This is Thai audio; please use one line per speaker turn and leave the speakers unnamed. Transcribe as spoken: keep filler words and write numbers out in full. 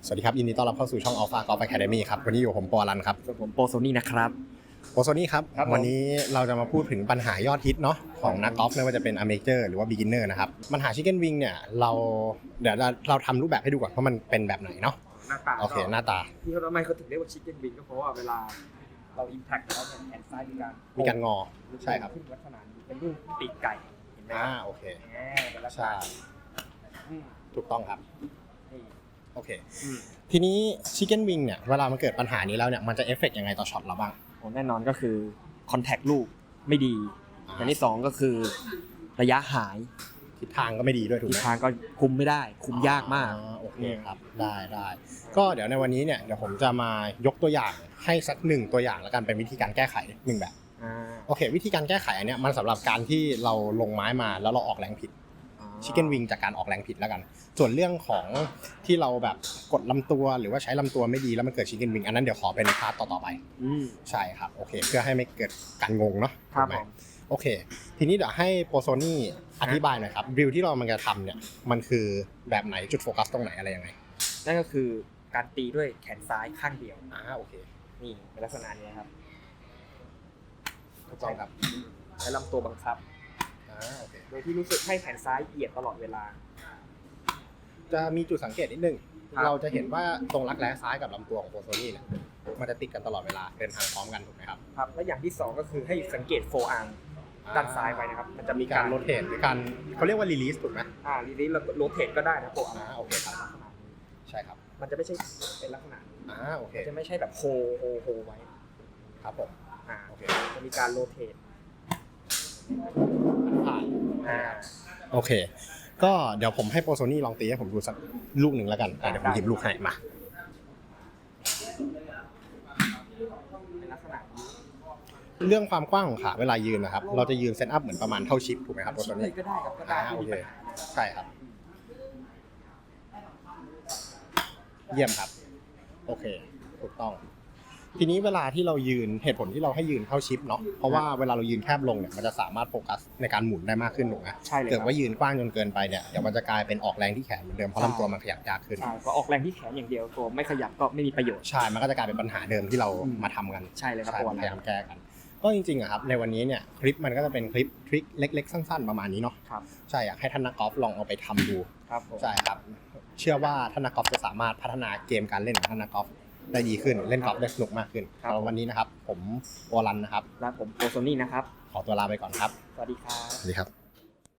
สวัสดีครับยินดีต้อนรับเข้าสู่ช่อง Alpha Golf Academy ครับวันนี้อยู่ผมปอลันครับ
ส่วนผมโปโซนี่นะครับ
โปโซนี่ครับวันนี้เราจะมาพูดถึงปัญหายอดฮิตเนาะของนักกอล์ฟไม่ว่าจะเป็น Amateur หรือว่า Beginner นะครับปัญหา Chicken Wing เนี่ยเราเดี๋ยวเราทำรูปแบบให้ดูก่อนว่ามันเป็นแบบไหนเนาะ
หน้าตา
โอเคหน้าตา
ที่เขาทำไมเขาถึงเรียกว่า Chicken Wing ก็เพราะว่าเวลาเรา impact แล้วเนี่ยแขนซ้ายมีการ
มีการงอใช่ครับ
ลักษณะนี้เป็นรูปปีกไก่เห็นไหม
อ่าโอเค
ใช่
ถูกต้องครับ
นี่
โอเคทีนี้ Chicken Wing เนี่ยเวลามันเกิดปัญหานี้แล้วเนี่ยมันจะเอฟเฟกต์ยังไงต่อช็อตเราบ้าง
แน่นอนก็คือ contact ลูกไม่ดีอย่างที่สองก็คือระยะหาย
ทิศทางก็ไม่ดีด้วยถูกไหม
ทิศทางก็คุมไม่ได้คุมยากมาก
โอเคครับได้ได้ก็เดี๋ยวในวันนี้เนี่ยเดี๋ยวผมจะมายกตัวอย่างให้สักหนึ่งตัวอย่างแล้วกันเป็นวิธีการแก้ไขหนึ่งแบบโอเควิธีการแก้ไขอันเนี้ยมันสำหรับการที่เราลงไม้มาแล้วเราออกแรงผิดChicken Wing จากการออกแรงผิดแล้วกันส่วนเรื่องของที่เราแบบกดลำตัวหรือว่าใช้ลำตัวไม่ดีแล้วมันเกิด Chicken Wing อันนั้นเดี๋ยวขอเป็นพาร์ทต่อๆไปใช่ครับโอเคเพื่อให้ไม่เกิดการงงเนาะ
ครับผม
โอเคทีนี้เดี๋ยวให้โปโซนี่อธิบายหน่อยครับดริลที่เรามันจะทำเนี่ยมันคือแบบไหนจุดโฟกัสตรงไหนอะไรยังไง
นั่นก็คือการตีด้วยแขนซ้ายข้างเดียว
อ่าโอเค
นี่เป็นลักษณะนี้ครับ
ถูกต้องครับ
ใช้ลำตัวบังคับโดยที่รู้สึกให้แขนซ้ายเหยียดตลอดเวลา
จะมีจุดสังเกตนิดนึงเราจะเห็นว่าตรงรักแร้ซ้ายกับลำตัวของโปโซนี่เนี่ยมันจะติดกันตลอดเวลาเดินทางพร้อมกันถูกไหมครับ
ครับและอย่างที่สองก็คือให้สังเกตโฟอาร์มด้านซ้ายไว้นะครับมันจะมี
การโรเทตหรือการเขาเรียกว่ารีลีสถูกไหม
อ่ารีลีสโรเทตก็ได้นะโฟอาร์ม
โอเคครับใช่ครับ
มันจะไม่ใช่เป็นลักษณะ
อ่าโอเค
จะไม่ใช่แบบโฮโฮโฮไว้
ครับผม
อ่าโอเคจะมีการโรเทต
ผ่านโอเคก็เดี๋ยวผมให้โปโซนี่ลองตีให้ผมดูสักลูกหนึ่งแล้วกันเดี๋ยวผมหยิบลูกให้มาเรื่องความกว้างของขาเวลายืนนะครับเราจะยืนเซตอัพเหมือนประมาณเท่าชิปถูกไหมครับโปโซนี่
ก็ได้ครับก็ได้
โอเคใช่ครับเยี่ยมครับโอเคถูกต้องทีนี้เวลาที่เรายืนเหตุผลที่เราให้ยืนเข้าชิปเนาะเพราะว่าเวลาเรายืนแคบลงเนี่ยมันจะสามารถโฟกัสในการหมุนได้มากขึ้นถูกไหม
ใช่เลย
เกิดว่ายืนกว้างจนเกินไปเนี่ยเดี๋ยวมันจะกลายเป็นออกแรงที่แขนเหมือนเดิมเพราะลำตัวมันขยับยากขึ้น
ใช่ก็ออกแรงที่แขนอย่างเดียวตัวไม่ขยับก็ไม่มีประโยชน์
ใช่มันก็จะกลายเป็นปัญหาเดิมที่เรามาทำกัน
ใช่เลยครับ
พยายามแก้กันก็จริงๆอะครับในวันนี้เนี่ยคลิปมันก็จะเป็นคลิปทริคเล็กๆสั้นๆประมาณนี้เนาะใช่อยากให้ท่านนักกอล์ฟลองเอาไปทำดูใช่ครับเชื่อว่าท่านนักกอล์ฟจะสามารถพัฒนาเกมการเล่นของท่านนักกอล์ฟได้ดีขึ้นเล่นกอล์ฟได้สนุกมากขึ้นวันนี้นะครับผมวอลันนะครับ
และผมโปโซนี่นะครับ
ขอตัวลาไปก่อนครับ
สวัสดีครับ
สวัสดีครับ